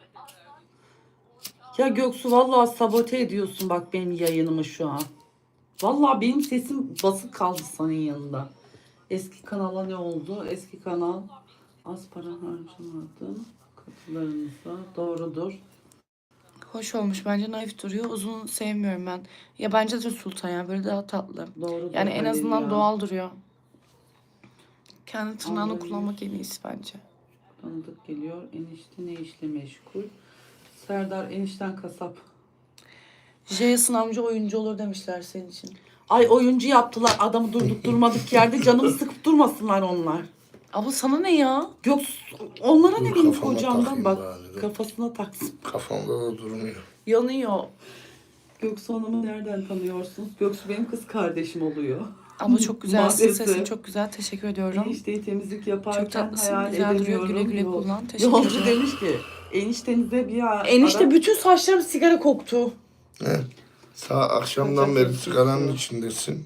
[SPEAKER 2] Ya Göksu vallahi sabote ediyorsun bak benim yayınımı şu an. Vallahi benim sesim basık kaldı senin yanında. Eski kanala ne oldu? Eski kanal az para harcamadı. Katılarınıza doğrudur.
[SPEAKER 1] Hoş olmuş bence, naif duruyor. Uzun sevmiyorum ben. Ya bence de Sultan ya, böyle daha tatlı.
[SPEAKER 2] Doğrudur.
[SPEAKER 1] Yani en
[SPEAKER 2] Halil
[SPEAKER 1] azından
[SPEAKER 2] ya.
[SPEAKER 1] doğal duruyor. Kendi tırnağını
[SPEAKER 2] Anlıyorum.
[SPEAKER 1] kullanmak en iyisi bence.
[SPEAKER 2] Tanıdık geliyor. Enişte ne işle meşgul? Serdar enişten kasap.
[SPEAKER 1] Jason amca oyuncu olur demişler senin için.
[SPEAKER 2] Ay oyuncu yaptılar adamı durduk durmadık yerde canımı sıkıp durmasınlar onlar.
[SPEAKER 1] Abla sana ne ya?
[SPEAKER 2] Yok onlara
[SPEAKER 3] Dur,
[SPEAKER 2] ne benim
[SPEAKER 3] kafama
[SPEAKER 2] kocamdan
[SPEAKER 3] takayım
[SPEAKER 2] bak
[SPEAKER 3] bari, dur.
[SPEAKER 2] kafasına taksın.
[SPEAKER 3] Kafamda da durmuyor.
[SPEAKER 1] Yanıyor.
[SPEAKER 2] Göksu Hanım'ı nereden tanıyorsunuz? Göksu benim kız kardeşim oluyor.
[SPEAKER 1] Abla çok güzelsin.
[SPEAKER 2] Maalesef.
[SPEAKER 1] Sesin çok güzel. Teşekkür ediyorum.
[SPEAKER 2] Enişteyi temizlik yaparken
[SPEAKER 1] Çok tatlısın.
[SPEAKER 2] hayal
[SPEAKER 1] Güzel duruyor.
[SPEAKER 2] edemiyorum.
[SPEAKER 1] Güle güle
[SPEAKER 2] Yol-
[SPEAKER 1] kullan. Teşekkür
[SPEAKER 2] Yolcu
[SPEAKER 1] ederim.
[SPEAKER 2] demiş ki eniştenize bir ara...
[SPEAKER 1] Enişte bütün saçlarım sigara koktu.
[SPEAKER 3] He. Sağ akşamdan beri sigaranın içindesin.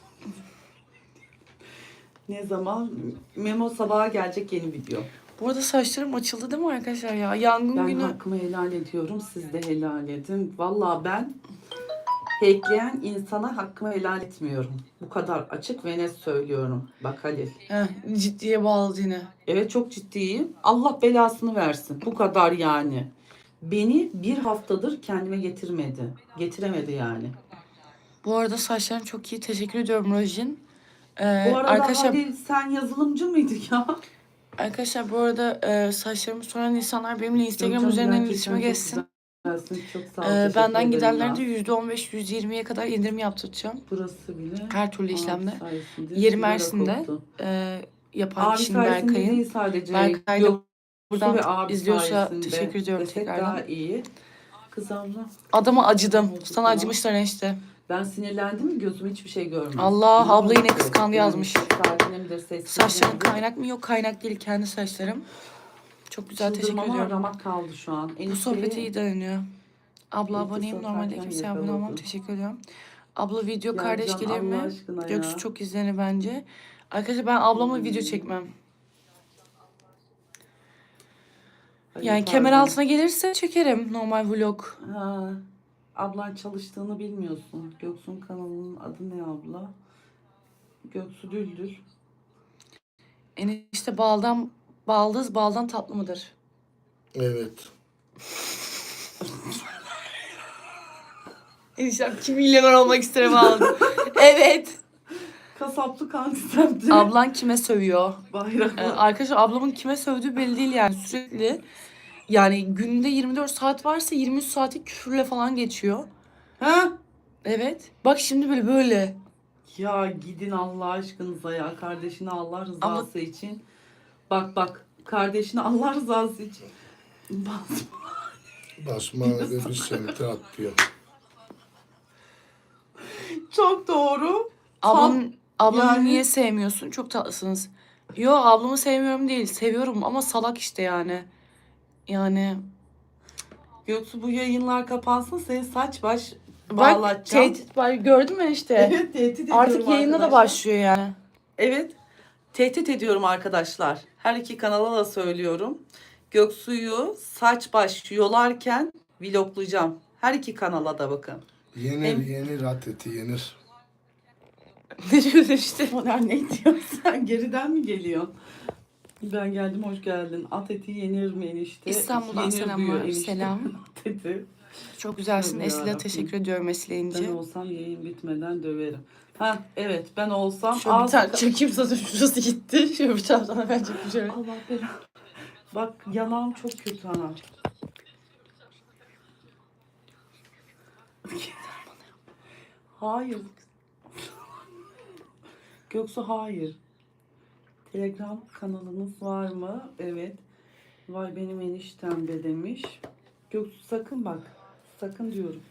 [SPEAKER 2] Ne zaman? Memo sabaha gelecek yeni video.
[SPEAKER 1] Bu arada saçlarım açıldı değil mi arkadaşlar ya? Yangın
[SPEAKER 2] Ben
[SPEAKER 1] günü.
[SPEAKER 2] hakkımı helal ediyorum. Siz de helal edin. Vallahi ben hackleyen insana hakkımı helal etmiyorum. Bu kadar açık ve net söylüyorum. Bak Halil.
[SPEAKER 1] Heh, ciddiye bağladı yine.
[SPEAKER 2] Evet çok ciddiyim. Allah belasını versin. Bu kadar yani. Beni bir haftadır kendime getirmedi. Getiremedi yani.
[SPEAKER 1] Bu arada saçlarım çok iyi. Teşekkür ediyorum Rojin. Ee,
[SPEAKER 2] Bu arada
[SPEAKER 1] arkadaşlar,
[SPEAKER 2] Halil sen yazılımcı mıydın ya?
[SPEAKER 1] arkadaşlar bu arada e, saçlarımı soran insanlar benimle Instagram
[SPEAKER 2] Gökçen
[SPEAKER 1] üzerinden
[SPEAKER 2] gerçekten
[SPEAKER 1] iletişime
[SPEAKER 2] çok
[SPEAKER 1] geçsin.
[SPEAKER 2] güzelsin. Çok sağ ol.
[SPEAKER 1] Ee,
[SPEAKER 2] teşekkür
[SPEAKER 1] benden
[SPEAKER 2] ederim
[SPEAKER 1] gidenlerde
[SPEAKER 2] ya.
[SPEAKER 1] yüzde on beş yüzde yirmiye kadar indirim yaptıracağım.
[SPEAKER 2] Burası bile.
[SPEAKER 1] Her türlü
[SPEAKER 2] Aa,
[SPEAKER 1] işlemde.
[SPEAKER 2] sayesinde
[SPEAKER 1] Yeri
[SPEAKER 2] sigara
[SPEAKER 1] Mersin'de.
[SPEAKER 2] koktu.
[SPEAKER 1] Ee, yapan
[SPEAKER 2] Abi
[SPEAKER 1] kişinin
[SPEAKER 2] sayesinde
[SPEAKER 1] Berkay'ın.
[SPEAKER 2] değil sadece.
[SPEAKER 1] Berkay da
[SPEAKER 2] Göksu
[SPEAKER 1] buradan
[SPEAKER 2] ve abi
[SPEAKER 1] izliyorsa
[SPEAKER 2] sayesinde
[SPEAKER 1] teşekkür ediyorum
[SPEAKER 2] desek
[SPEAKER 1] tekrardan.
[SPEAKER 2] daha iyi. Kız abla.
[SPEAKER 1] Adama acıdım.
[SPEAKER 2] Ne oldu
[SPEAKER 1] Sana
[SPEAKER 2] ya?
[SPEAKER 1] acımışlar enişte.
[SPEAKER 2] Ben sinirlendim mi gözüm hiçbir şey görmez.
[SPEAKER 1] Allah,
[SPEAKER 2] İnanır
[SPEAKER 1] abla yine
[SPEAKER 2] mısın?
[SPEAKER 1] kıskandı yazmış.
[SPEAKER 2] Saatine midir, sessiz
[SPEAKER 1] Saçların
[SPEAKER 2] midir?
[SPEAKER 1] kaynak mı? Yok, kaynak değil, kendi saçlarım. Çok güzel, teşekkür
[SPEAKER 2] Çıldırmama
[SPEAKER 1] ediyorum.
[SPEAKER 2] ramak kaldı şu an.
[SPEAKER 1] Bu sohbet iyi dönüyor. Abla
[SPEAKER 2] İlk
[SPEAKER 1] aboneyim.
[SPEAKER 2] satarken
[SPEAKER 1] Normalde kimseye abone olmam.
[SPEAKER 2] yakaladın.
[SPEAKER 1] Teşekkür ediyorum. Abla video
[SPEAKER 2] Ya
[SPEAKER 1] kardeş
[SPEAKER 2] Can,
[SPEAKER 1] gelir
[SPEAKER 2] Allah
[SPEAKER 1] mi?
[SPEAKER 2] aşkına
[SPEAKER 1] Göksu
[SPEAKER 2] ya.
[SPEAKER 1] çok izlenir bence. Arkadaşlar ben ablamla
[SPEAKER 2] Hmm.
[SPEAKER 1] video çekmem.
[SPEAKER 2] Ay,
[SPEAKER 1] Yani
[SPEAKER 2] yeter
[SPEAKER 1] kemer
[SPEAKER 2] be.
[SPEAKER 1] altına gelirse çekerim normal vlog.
[SPEAKER 2] Ha, ablan çalıştığını bilmiyorsun. Göksu'nun kanalının adı ne abla? Göksu Düldül.
[SPEAKER 1] Enişte baldan baldız baldan tatlı mıdır?
[SPEAKER 3] Evet.
[SPEAKER 1] Eniştem kim milyoner olmak isterim aldı. Evet.
[SPEAKER 2] Kasaplı kantisemdi.
[SPEAKER 1] Ablan kime sövüyor? Ee,
[SPEAKER 2] Bayraklı.
[SPEAKER 1] arkadaşlar ablamın kime sövdüğü belli değil yani sürekli. Yani günde yirmi dört saat varsa yirmi üç saati küfürle falan geçiyor.
[SPEAKER 2] Ha?
[SPEAKER 1] Evet. Bak şimdi böyle böyle.
[SPEAKER 2] Ya gidin Allah aşkınıza ya. Kardeşini Allah rızası
[SPEAKER 1] Abla-
[SPEAKER 2] için. Bak bak. Kardeşini Allah rızası için. Basma.
[SPEAKER 3] Basma ve bir semti atıyor.
[SPEAKER 2] Çok doğru.
[SPEAKER 1] Ablam, ablamı
[SPEAKER 2] yani-
[SPEAKER 1] niye sevmiyorsun? Çok tatlısınız. Yo, ablamı sevmiyorum değil. Seviyorum ama salak işte yani. Yani
[SPEAKER 2] Göksu bu yayınlar kapansın seni saç baş
[SPEAKER 1] bak
[SPEAKER 2] bağlatacağım.
[SPEAKER 1] tehdit var, gördün mü işte.
[SPEAKER 2] Evet tehdit ediyorum
[SPEAKER 1] Artık yayına da
[SPEAKER 2] arkadaşlar.
[SPEAKER 1] başlıyor yani.
[SPEAKER 2] Evet tehdit ediyorum arkadaşlar. Her iki kanala da söylüyorum. Göksu'yu saç baş yolarken vloglayacağım. Her iki kanala da bakın.
[SPEAKER 3] Yenir
[SPEAKER 2] Hem-
[SPEAKER 3] yenir at eti yenir.
[SPEAKER 1] Ne diyorsun işte?
[SPEAKER 2] Soner ne diyorsun sen? Geriden mi geliyorsun? Ben geldim hoş geldin. At eti yenir mi enişte?
[SPEAKER 1] İstanbul'dan
[SPEAKER 2] Yenir
[SPEAKER 1] selamlar,
[SPEAKER 2] diyor enişte.
[SPEAKER 1] selam.
[SPEAKER 2] At eti.
[SPEAKER 1] Çok güzelsin.
[SPEAKER 2] Tabii
[SPEAKER 1] Esile
[SPEAKER 2] yarabbim.
[SPEAKER 1] teşekkür ediyorum Esile
[SPEAKER 2] Ben
[SPEAKER 1] İnci.
[SPEAKER 2] olsam yayın bitmeden döverim. Ha evet ben olsam
[SPEAKER 1] Şöyle bir
[SPEAKER 2] az...
[SPEAKER 1] tane çekeyim zaten şurası gitti. Şöyle bir tane sana ben çekeyim şöyle.
[SPEAKER 2] Allah belanı. Bak yanağım çok kötü ana. Hayır. Göksu hayır. Telegram kanalınız var mı? Evet. Vay benim eniştem be demiş. Göksu sakın bak. Sakın diyorum.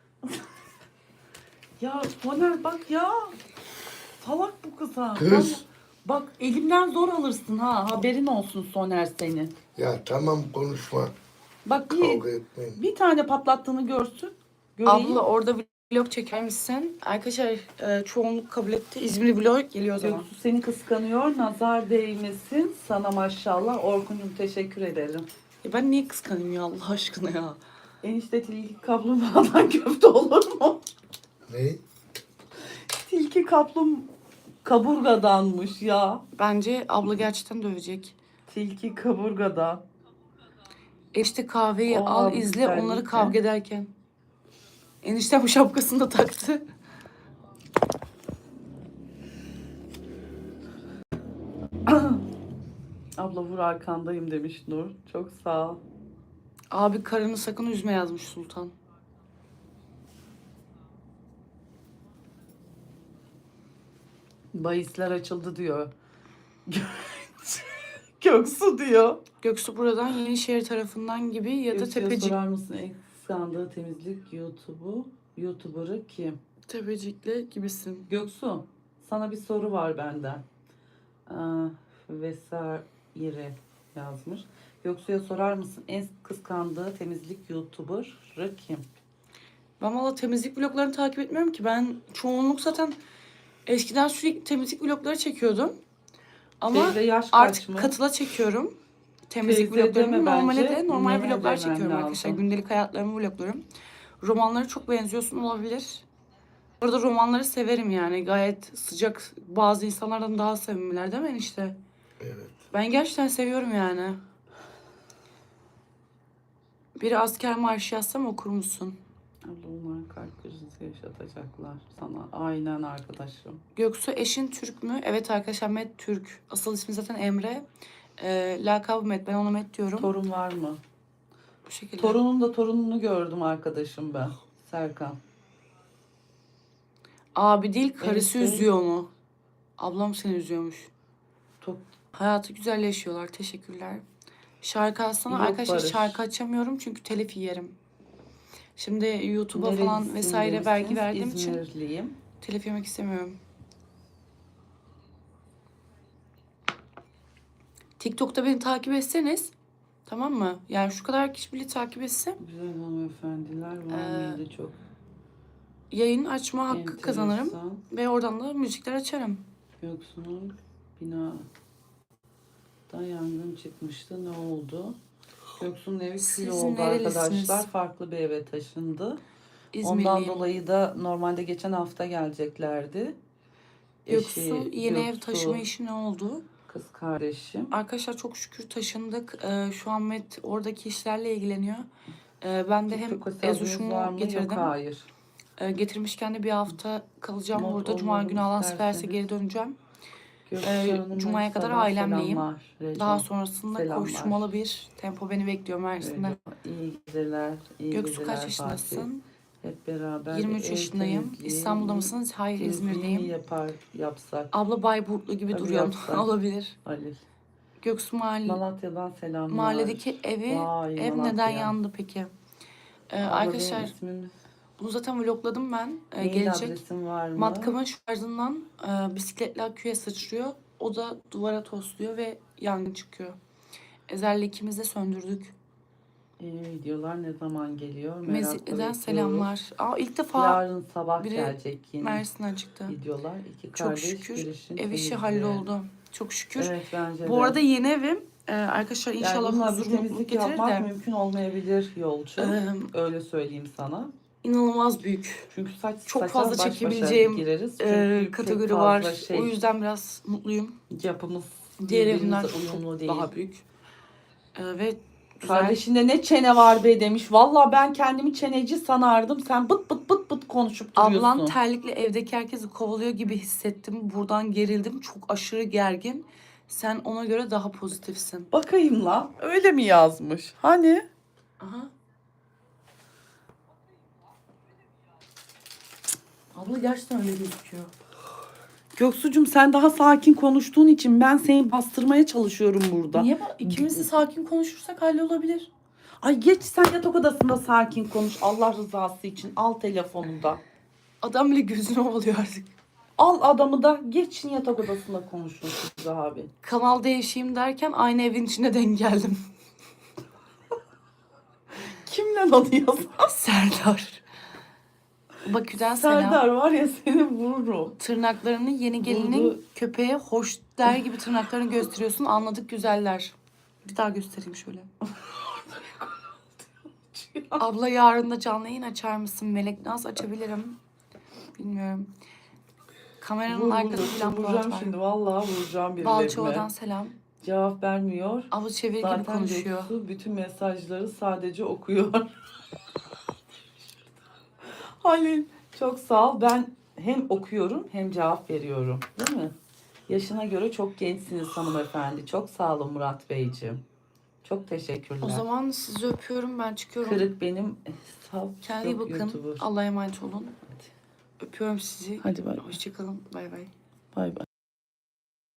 [SPEAKER 2] Ya Soner bak ya. Salak bu kız ha.
[SPEAKER 3] Kız.
[SPEAKER 2] Vallahi- Bak elimden zor alırsın ha. Haberin olsun Soner senin.
[SPEAKER 3] Ya tamam konuşma.
[SPEAKER 2] Bak bir,
[SPEAKER 3] Kavga etmeyin.
[SPEAKER 2] bir tane patlattığını görsün. Göreyim.
[SPEAKER 1] Abla orada vlog çeker misin? Arkadaşlar e, çoğunluk kabul etti. İzmir vlog geliyor o zaman.
[SPEAKER 2] Göksu seni kıskanıyor. Nazar değmesin. Sana maşallah. Orkun'cum teşekkür ederim.
[SPEAKER 1] Ya ben niye kıskanayım ya Allah aşkına ya?
[SPEAKER 2] Enişte tilki kaplumbağadan köfte olur mu?
[SPEAKER 3] Ne?
[SPEAKER 2] Tilki kaplum kaburgadanmış ya.
[SPEAKER 1] Bence abla gerçekten dövecek.
[SPEAKER 2] Tilki kaburgadan.
[SPEAKER 1] Enişte kahveyi
[SPEAKER 2] O
[SPEAKER 1] al
[SPEAKER 2] abi
[SPEAKER 1] izle
[SPEAKER 2] güzellikle.
[SPEAKER 1] onları kavga ederken. Enişte bu şapkasını da taktı.
[SPEAKER 2] Abla vur arkandayım demiş Nur. Çok sağ ol.
[SPEAKER 1] Abi karını sakın üzme yazmış Sultan.
[SPEAKER 2] Bahisler açıldı diyor. Göksu diyor.
[SPEAKER 1] Göksu buradan Yenişehir tarafından gibi ya da
[SPEAKER 2] Göksu'ya
[SPEAKER 1] Tepecik.
[SPEAKER 2] sorar mısın en kıskandığı temizlik YouTube'u, YouTuber'ı kim?
[SPEAKER 1] Tepecik'le gibisin.
[SPEAKER 2] Göksu, sana bir soru var benden. Aa, vesaire yazmış. Göksu'ya sorar mısın en kıskandığı temizlik YouTuber'ı kim?
[SPEAKER 1] Ben valla temizlik vloglarını takip etmiyorum ki. Ben çoğunluk zaten eskiden sürekli temizlik vlogları çekiyordum. Ama
[SPEAKER 2] Teyze yaş kaç
[SPEAKER 1] artık
[SPEAKER 2] mı?
[SPEAKER 1] katıla çekiyorum. Temizlik
[SPEAKER 2] Teyze
[SPEAKER 1] vloglarımı.
[SPEAKER 2] deme
[SPEAKER 1] Normale
[SPEAKER 2] bence,
[SPEAKER 1] de normal
[SPEAKER 2] nene
[SPEAKER 1] vloglar
[SPEAKER 2] demen
[SPEAKER 1] çekiyorum arkadaşlar.
[SPEAKER 2] lazım.
[SPEAKER 1] Gündelik hayatlarımı vloglarım. Romanlara çok benziyorsun olabilir. Orada romanları severim yani. Gayet sıcak, bazı insanlardan daha sevimliler değil mi enişte?
[SPEAKER 3] Evet.
[SPEAKER 1] Ben gerçekten seviyorum yani. Biri asker marşı yazsam okur musun?
[SPEAKER 2] Abla onlar kalp krizi yaşatacaklar sana. Aynen arkadaşım.
[SPEAKER 1] Göksu eşin Türk mü? Evet arkadaşlar Met Türk. Asıl ismi zaten Emre. Ee, lakabı Met. Ben ona Met diyorum.
[SPEAKER 2] Torun var mı?
[SPEAKER 1] Bu şekilde.
[SPEAKER 2] Torunun da torununu gördüm arkadaşım ben. Serkan.
[SPEAKER 1] Abi değil karısı
[SPEAKER 2] Enişte.
[SPEAKER 1] üzüyor mu? Ablam seni üzüyormuş.
[SPEAKER 2] TikTok
[SPEAKER 1] Hayatı güzel yaşıyorlar. Teşekkürler. Şarkı açsana.
[SPEAKER 2] Yok
[SPEAKER 1] Arkadaşlar
[SPEAKER 2] Barış.
[SPEAKER 1] şarkı açamıyorum çünkü telif yerim. Şimdi YouTube'a falan
[SPEAKER 2] nerelisin
[SPEAKER 1] vesaire vergi
[SPEAKER 2] demişsiniz.
[SPEAKER 1] verdiğim için
[SPEAKER 2] İzmirliyim.
[SPEAKER 1] telif yemek istemiyorum. TikTok'ta beni takip etseniz, tamam mı? Yani şu kadar kişi bile takip etse
[SPEAKER 2] Güzel hanımefendiler var
[SPEAKER 1] Ee,
[SPEAKER 2] mıydı çok
[SPEAKER 1] yayın açma hakkı
[SPEAKER 2] enteresan.
[SPEAKER 1] kazanırım ve oradan da müzikler açarım.
[SPEAKER 2] Göksu'nun binadan yangın çıkmıştı. Ne oldu? Göksu'nun evi kül
[SPEAKER 1] Siz
[SPEAKER 2] oldu
[SPEAKER 1] nerelisiniz?
[SPEAKER 2] arkadaşlar. Farklı bir eve taşındı. Ondan
[SPEAKER 1] İzmirliyim.
[SPEAKER 2] dolayı da normalde geçen hafta geleceklerdi.
[SPEAKER 1] Göksu
[SPEAKER 2] Eşi,
[SPEAKER 1] yeni ev
[SPEAKER 2] Göksu,
[SPEAKER 1] taşıma işi ne oldu?
[SPEAKER 2] kız kardeşim.
[SPEAKER 1] Arkadaşlar çok şükür taşındık. Ee, şu an Met oradaki işlerle ilgileniyor. Ee, ben de hem
[SPEAKER 2] TikTok hesabınız var
[SPEAKER 1] Ezuş'umu
[SPEAKER 2] mı?
[SPEAKER 1] getirdim.
[SPEAKER 2] Yok, hayır.
[SPEAKER 1] Ee, getirmişken de bir hafta kalacağım
[SPEAKER 2] Not
[SPEAKER 1] burada. Cuma
[SPEAKER 2] olmadım
[SPEAKER 1] günü Allah nasip ederse
[SPEAKER 2] isterseniz.
[SPEAKER 1] geri döneceğim.
[SPEAKER 2] Göksu
[SPEAKER 1] Ee,
[SPEAKER 2] Hanım'a
[SPEAKER 1] Cuma'ya kadar
[SPEAKER 2] sabah
[SPEAKER 1] ailemleyim.
[SPEAKER 2] selamlar. Recep.
[SPEAKER 1] Daha sonrasında
[SPEAKER 2] Selamlar.
[SPEAKER 1] koşturmalı bir tempo beni bekliyor Mersin'de.
[SPEAKER 2] Recep. İyi geceler. İyi
[SPEAKER 1] Göksu
[SPEAKER 2] geceler
[SPEAKER 1] kaç
[SPEAKER 2] Fatih.
[SPEAKER 1] yaşındasın?
[SPEAKER 2] Hep beraber
[SPEAKER 1] yirmi üç
[SPEAKER 2] ev
[SPEAKER 1] yaşındayım.
[SPEAKER 2] temizliği,
[SPEAKER 1] İstanbul'da mısınız? Hayır,
[SPEAKER 2] temizliği
[SPEAKER 1] İzmir'deyim.
[SPEAKER 2] yapar, yapsak
[SPEAKER 1] Abla Bayburtlu gibi
[SPEAKER 2] Tabii
[SPEAKER 1] duruyorsun.
[SPEAKER 2] yapsak.
[SPEAKER 1] Olabilir.
[SPEAKER 2] Halil.
[SPEAKER 1] Göksu mahalle,
[SPEAKER 2] Malatya'dan selamlar.
[SPEAKER 1] mahalledeki evi,
[SPEAKER 2] Vay,
[SPEAKER 1] ev
[SPEAKER 2] Malatya.
[SPEAKER 1] neden yandı peki? Ee,
[SPEAKER 2] Abla,
[SPEAKER 1] arkadaşlar
[SPEAKER 2] benim ismim,
[SPEAKER 1] bunu zaten vlogladım ben. Ee,
[SPEAKER 2] mail
[SPEAKER 1] gelecek.
[SPEAKER 2] adresim var mı?
[SPEAKER 1] Matkabın şarjından e, bisikletle aküye sıçrıyor. O da duvara tosluyor ve yangın çıkıyor. Ezer'le ikimiz de söndürdük.
[SPEAKER 2] Ee, videolar ne zaman geliyor? Merakla
[SPEAKER 1] Mezitli'den
[SPEAKER 2] bekliyoruz.
[SPEAKER 1] selamlar. Aa, ilk defa
[SPEAKER 2] Yarın sabah
[SPEAKER 1] biri
[SPEAKER 2] gelecek yine
[SPEAKER 1] Mersin'den çıktı.
[SPEAKER 2] videolar. İki
[SPEAKER 1] Çok
[SPEAKER 2] kardeş
[SPEAKER 1] şükür
[SPEAKER 2] girişin
[SPEAKER 1] ev işi
[SPEAKER 2] temizliği.
[SPEAKER 1] halloldu. Çok şükür.
[SPEAKER 2] Evet, bence
[SPEAKER 1] Bu
[SPEAKER 2] de.
[SPEAKER 1] arada yeni evim e, arkadaşlar
[SPEAKER 2] yani
[SPEAKER 1] inşallah
[SPEAKER 2] bununla
[SPEAKER 1] huzur
[SPEAKER 2] bir
[SPEAKER 1] mutluluk
[SPEAKER 2] temizlik
[SPEAKER 1] getirir
[SPEAKER 2] yapmak
[SPEAKER 1] de
[SPEAKER 2] mümkün olmayabilir yolcu.
[SPEAKER 1] Ee,
[SPEAKER 2] Öyle söyleyeyim sana.
[SPEAKER 1] inanılmaz büyük.
[SPEAKER 2] Çünkü saç
[SPEAKER 1] Çok
[SPEAKER 2] saça
[SPEAKER 1] fazla
[SPEAKER 2] baş başa
[SPEAKER 1] çekebileceğim
[SPEAKER 2] gireriz. Çünkü
[SPEAKER 1] e,
[SPEAKER 2] çok
[SPEAKER 1] kategori
[SPEAKER 2] fazla
[SPEAKER 1] var.
[SPEAKER 2] Şey,
[SPEAKER 1] O yüzden biraz mutluyum.
[SPEAKER 2] yapımız
[SPEAKER 1] Diğer
[SPEAKER 2] birbirimize
[SPEAKER 1] evimden
[SPEAKER 2] uyumlu
[SPEAKER 1] çok
[SPEAKER 2] değil.
[SPEAKER 1] daha büyük. E, ve güzel.
[SPEAKER 2] Kardeşinde ne çene var be demiş. Vallahi ben kendimi çeneci sanardım. Sen bıt bıt bıt bıt konuşup duruyorsun.
[SPEAKER 1] Ablan terlikle evdeki herkesi kovalıyor gibi hissettim. Buradan gerildim. Çok aşırı gergin. Sen ona göre daha pozitifsin.
[SPEAKER 2] Bakayım lan. Öyle mi yazmış? Hani?
[SPEAKER 1] Aha. Abla gerçekten öyle gözüküyor.
[SPEAKER 2] Göksu'cum sen daha sakin konuştuğun için ben seni bastırmaya çalışıyorum burada.
[SPEAKER 1] Niye? Bak, ikimiz de sakin konuşursak hallolabilir.
[SPEAKER 2] Ay geç sen yatak odasında sakin konuş. Allah rızası için al telefonunu da.
[SPEAKER 1] Adam bile gözünü ovalıyor artık.
[SPEAKER 2] Al adamı da geçin yatak odasında konuşun siz abi.
[SPEAKER 1] Kanal değişeyim derken aynı evin içine denk geldim.
[SPEAKER 2] Kimle onu yazar?
[SPEAKER 1] Serdar. Bakü'den selam.
[SPEAKER 2] Serdar var ya seni vururum.
[SPEAKER 1] Tırnaklarını yeni gelinin
[SPEAKER 2] Vurdu.
[SPEAKER 1] köpeğe hoş der gibi tırnaklarını gösteriyorsun. Anladık güzeller. Bir daha göstereyim şöyle. Abla yarın da canlı yayın açar mısın? Melek Naz açabilirim. Bilmiyorum. Kameranın
[SPEAKER 2] Vur,
[SPEAKER 1] arkasında
[SPEAKER 2] vur,
[SPEAKER 1] falan
[SPEAKER 2] vuracağım
[SPEAKER 1] Polat var.
[SPEAKER 2] şimdi vallahi vuracağım
[SPEAKER 1] Balçova'dan
[SPEAKER 2] birilerine.
[SPEAKER 1] selam.
[SPEAKER 2] Cevap vermiyor.
[SPEAKER 1] Abla çevir gibi
[SPEAKER 2] Zaten
[SPEAKER 1] konuşuyor.
[SPEAKER 2] Göksu bütün mesajları sadece okuyor. Halil çok sağ ol. Ben hem okuyorum hem cevap veriyorum. Değil mi? Yaşına göre çok gençsiniz hanımefendi. Çok sağ olun Murat Beyciğim. Çok teşekkürler.
[SPEAKER 1] O zaman sizi öpüyorum. Ben çıkıyorum.
[SPEAKER 2] Kırık benim hesap
[SPEAKER 1] Kendinize iyi
[SPEAKER 2] yok
[SPEAKER 1] bakın.
[SPEAKER 2] YouTuber.
[SPEAKER 1] Allah'a emanet olun. Öpüyorum sizi.
[SPEAKER 2] Hadi bay bay.
[SPEAKER 1] Hoşçakalın. Bay bay.
[SPEAKER 2] Bay bay.